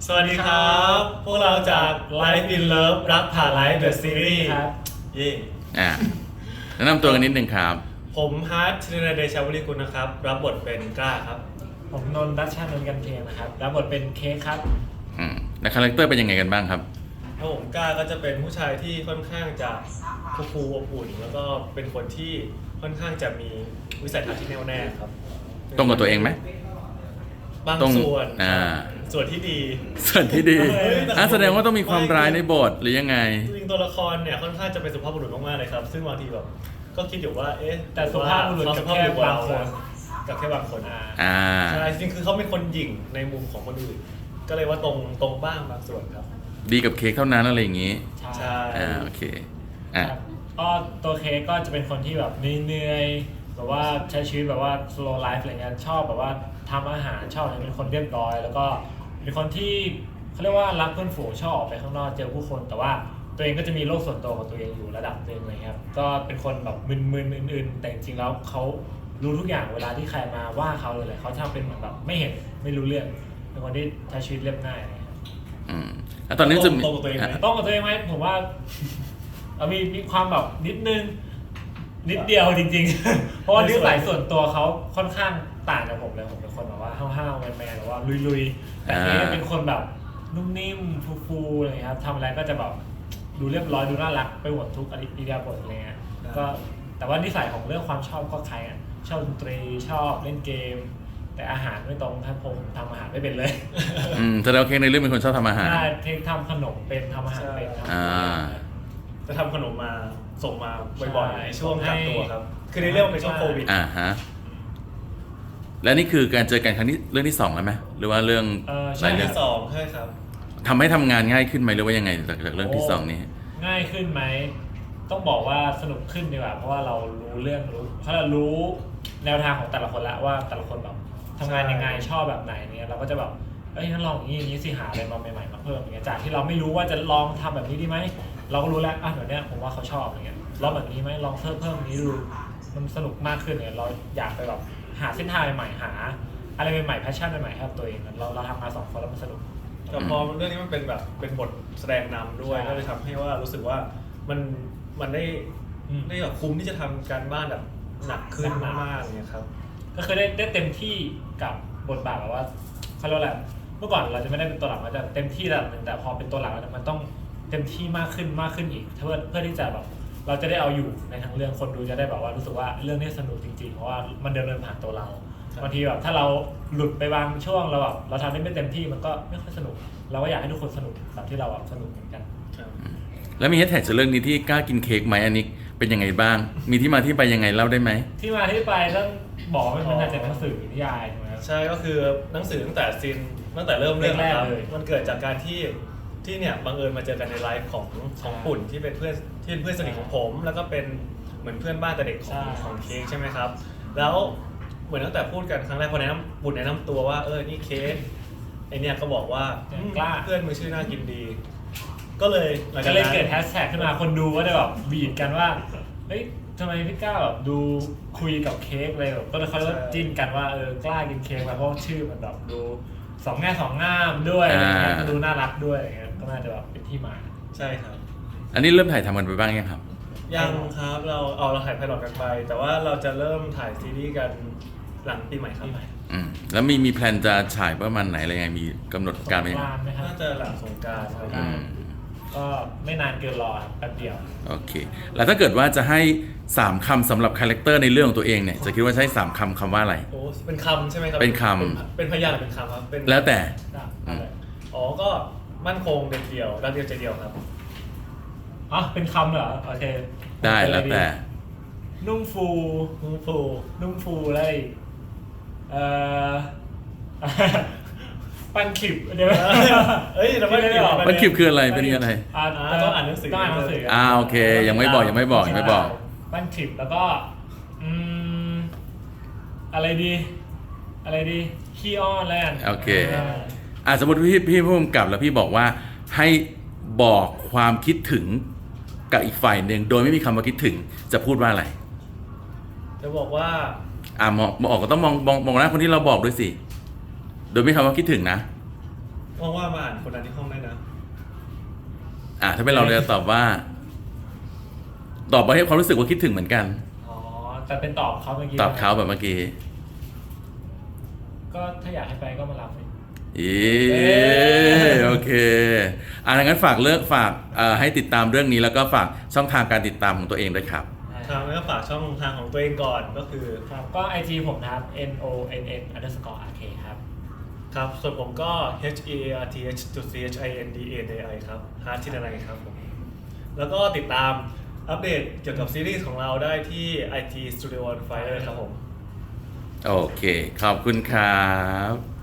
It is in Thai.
สวัสดีครับ พวกเราจาก Life in Love รักผ่าน Life The Series ครับเย่แนะนำตัวกันนิดนึงครับผมฮาร์ดชลินเดชาวริกุลนะครับ รับบทเป็นกล้าครับผมนนท์รัชชานนท์กันเทียนนะครับรับบทเป็นเค้กครับและคาแรคเตอร์เป็นยังไงกันบ้างครับถ้าผมกล้าก็จะเป็นผู้ชายที่ค่อนข้างจะคูลๆอบอุ่น แล้วก็เป็นคนที่ค่อนข้างจะมีวิสัยทัศน์ที่แน่วแน่ครับตรงกับตัวเองไหมบางตรงส่วนอ่าส่วนที่ดีส่วนที่ดีเฮ้ยแต่แสดงว่าต้องมีความร้ายในบทหรือยังไงจริงๆตัวละครเนี่ยค่อนข้างจะเป็นสุภาพบุรุษมากๆเลยครับ ซึ่งบางทีแบบก็คิดอยู่ว่าเอ๊ะแต่สุภาพบุรุษเขกับสุภแค่พบุรุษบางคนกับแค่บางคนอ่าใช่จริงๆคือเขาเป็นคนหยิ่งในมุมของคนอื่น ก็เลยว่าตรงบ้างบางส่วนครับดีกับเค้กเท่านั้นอะไรอย่างงี้ใช่โอเคครับก็ตัวเค้กก็จะเป็นคนที่แบบเหนื่อยๆแบบว่าใช้ชีวิตแบบว่า slow life อะไรเงี้ยชอบแบบว่าทำอาหารชอบเป็นคนเรียบร้อย แล้วก็เป็นคนที่เขาเรียกว่ารักเพื่อนฝูงชอบออกไปข้างนอกเจอผู้คน แต่ว่าตัวเองก็จะมีโลกส่วนตัวของตัวเองอยู่ระดับหนึ่งอะไรเงี้ยครับก็เป็นคนแบบมึนๆอื่นๆแต่จริงๆแล้วเขารู้ทุกอย่างเวลาที่ใครมาว่าเขาเลยเขาทำเป็นเหมือนแบบไม่เห็นไม่รู้เรื่องเป็นคนที่ใช้ชีวิตเรียบง่ายอะไรเงี้ยแล้วตอนนี้จะมีตรงกับตัวเองไหมต้องกับตัวเองไหมผมว่ามีความแบบนิดนึงนิดเดียวจริงๆ เพราะว่านิสัยส่วนตัวเขาค่อนข้างต่างจากผมเลยผมเป็นคนแบบว่าห้าวๆแมนๆหรือว่าลุยๆแต่นี่เป็นคนแบบนุ่มนิ่มฟูๆอะไรครับทำอะไรก็จะแบบดูเรียบร้อยดูน่ารักไปหมดทุกอิริยาบถอะไรเงี้ยก็แต่ว่านิสัยของเรื่องความชอบก็คล้ายกันชอบดนตรีชอบเล่นเกม แต่อาหารไม่ตรงถ้าผมทำอาหารไม่เป็นเลยแสดงว่าเค้กในเรื่องเป็นคนชอบทำอาหารใช่เทคทำขนมเป็นทำอาหารเป็นทำอ่าจะทำขนมมาส่งมาบ่อยๆใช่ในช่วงกักตัวครับ คือในเรื่องมันเป็นช่วงโควิดฮะ และนี่คือการเจอกันครั้งที่เรื่องที่2แล้วไหมหรือว่าเรื่องหใช่ลายเรื่องที่สองใช่ครับทำให้ทำงานง่ายขึ้นไหมหรือว่ายังไงจากเรื่องที่2นี้ง่ายขึ้นไหมต้องบอกว่าสนุกขึ้นดีกว่าเพราะว่าเรารู้เรื่องเขาเรารู้แนวทางของแต่ละคนแล้วว่าแต่ละคนแบบทำงานยังไงชอบแบบไหนเนี่ยเราก็จะแบบงั้นลองอย่างนี้สิหาอะไรมาใหม่ๆมาเพิ่มอย่างเงี้ยจากที่เราไม่รู้ว่าจะลองทำแบบนี้ดีไหมเราก็รู้แล้วเดี๋ยวนี้ผมว่าเขาชอบอะไรเงี้ยลองแบบนี้ไหมลองเพิ่มนี้ดูมันสนุกมากขึ้นเนี่ยเราอยากไปแบบหาเส้นทางใหม่ๆหาอะไรใหม่ๆแพชชั่นใหม่ๆให้กับตัวเองเราทำมา2 คนแล้วมันสนุกแต่พอเรื่องนี้มันเป็นแบบเป็นบทแสดงนำด้วยใช่ก็เลยทำให้ว่ารู้สึกว่ามันได้แบบคุ้มที่จะทำการบ้านแบบหนักขึ้นมากๆเนี่ยครับก็คือได้เต็มที่กับบทบาทแบบว่าเขาเรียกว่าอะไรเมื่อก่อนเราจะไม่ได้เป็นตัวหลักมันจะเต็มที่ระดับหนึ่งแต่พอเป็นตัวหลักแล้วมันต้องเต็มที่มากขึ้นอีกเพื่อที่จะแบบเราจะได้เอาอยู่ในทั้งเรื่องคนดูจะได้แบบว่ารู้สึกว่าเรื่องนี้สนุกจริงๆเพราะว่ามันเดินผ่านตัวเราครับบางทีแบบถ้าเราหลุดไปบางช่วงเราแบบเราทำได้ไม่เต็มที่มันก็ไม่ค่อยสนุก เราก็อยากให้ทุกคนสนุกแบบที่เราแบบสนุกเหมือนกันครับแล้วมีแฮชแท็กจากเรื่องนี้ที่กล้ากินเค้กไหมอันนี้เป็นยังไงบ้าง มีที่มาที่ไปยังไงเล่าได้ไหมที่มาที่ไปต้องบอกว่ามันมาจากหนังสือนิยายถูกไหมครับใช่ก็คือหนังสือตั้งแต่เริ่มเรื่องแรกๆนะครับเลยมันเกิดจากการที่เนี่ยบังเอิญมาเจอกันในไลฟ์ของปุ่นที่เป็นเพื่อนสนิทของผม แล้วก็เป็นเหมือนเพื่อนบ้านแต่เด็กของเค้กใช่ไหมครับ แล้วเหมือนตั้งแต่พูดกันครั้งแรกพอปุ่นแนะนำตัวว่านี่เค้กไอเนี่ยก็บอกว่ากล้าเพื่อนมือชื่อน่ากินดี ก็เลยหลังก็จากเลยนั้นเกิดแฮชแท็กขึ้นมาคนดูก็ได้แบบบีบกันว่าเฮ้ยทำไมพี่ก้าวแบบดูคุยกับเค้กเลยแบบก็เลยเขาเรียกว่าจิ้นกันว่ากล้ากินเค้กมาเพราะชื่อมันแบบดูสองแง่สองงามด้วยอะไรเงี้ยดูน่ารักด้วยอะไรเงี้ยก็น่าจะแบบเป็นที่มาใช่ครับอันนี้เริ่มถ่ายทำกันไปบ้างยังครับยังครับเราถ่ายไพลอตกันไป แต่ว่าเราจะเริ่มถ่ายซีรีส์กันหลังปีใหม่ครับแล้วมีแพลนจะฉายประมาณไหนอะไรยังไงมีกำหนดการไหมสงกรานต์ไหมครับน่าจะหลังสงกรานต์ครับอืมก็ไม่นานเกินรอครับแป๊บเดียวโอเค แล้วถ้าเกิดว่าจะให้3คำสำหรับคาแรคเตอร์ในเรื่องของตัวเองเนี่ยจะคิดว่าใช้3คำว่าอะไรโอ้เป็นคำใช่ไหมครับเป็นคำเป็นพยานหรือเป็นคำครับเป็นแล้วแต่อ๋อก็มั่นคงเด็ดเดี่ยวรักเดียวใจเดียวครับอ๋อเป็นคำเหรอโอเคได้แล้วแต่นุ่มฟูนุ่งฟูนุ่มฟูอะไรอีกปันขิบเดี๋ยวเอ้ยเราไม่ได้มันคลิปคืออะไรเป็นยังไงต้องอ่านหนังสือต้องอ่านหนังสือโอเคยังไม่บอกปั้นคลิปแล้วก็อะไรดีขี้อ้อนแล้วกันโอเค สมมติพี่ผู้กำกับแล้วพี่บอกว่าให้บอกความคิดถึงกับอีกฝ่ายหนึ่งโดยไม่มีคำว่าคิดถึงจะพูดว่าอะไรจะบอกว่ามองก็ต้องมองหน้าคนที่เราบอกด้วยสิโดยไม่มีคำว่าคิดถึงนะว่างๆมาอ่านคนนั้นที่ห้องได้นะถ้าเป็นเราจะตอบว่าให้ความรู้สึกว่าคิดถึงเหมือนกันอ๋อแต่เป็นตอบเขาเมื่อกี้ตอบเขาแบบเมื่อกี้ก็ถ้าอยากให้ไปก็มารับสิโอเคงั้นฝากให้ติดตามเรื่องนี้แล้วก็ฝากช่องทางการติดตามของตัวเองด้วยครับครับแล้วก็ฝากช่องทางของตัวเองก่อนก็คือครับก็ IG ผมนะครับ nonn_rk ครับครับ ส่วนผมก็ hearth.chinday ครับฮาร์ทที่อะไรครับผมแล้วก็ติดตามอัปเดตเกี่ยวกับซีรีส์ของเราได้ที่ IT Studio on Fire ครับผมโอเค ขอบคุณครับ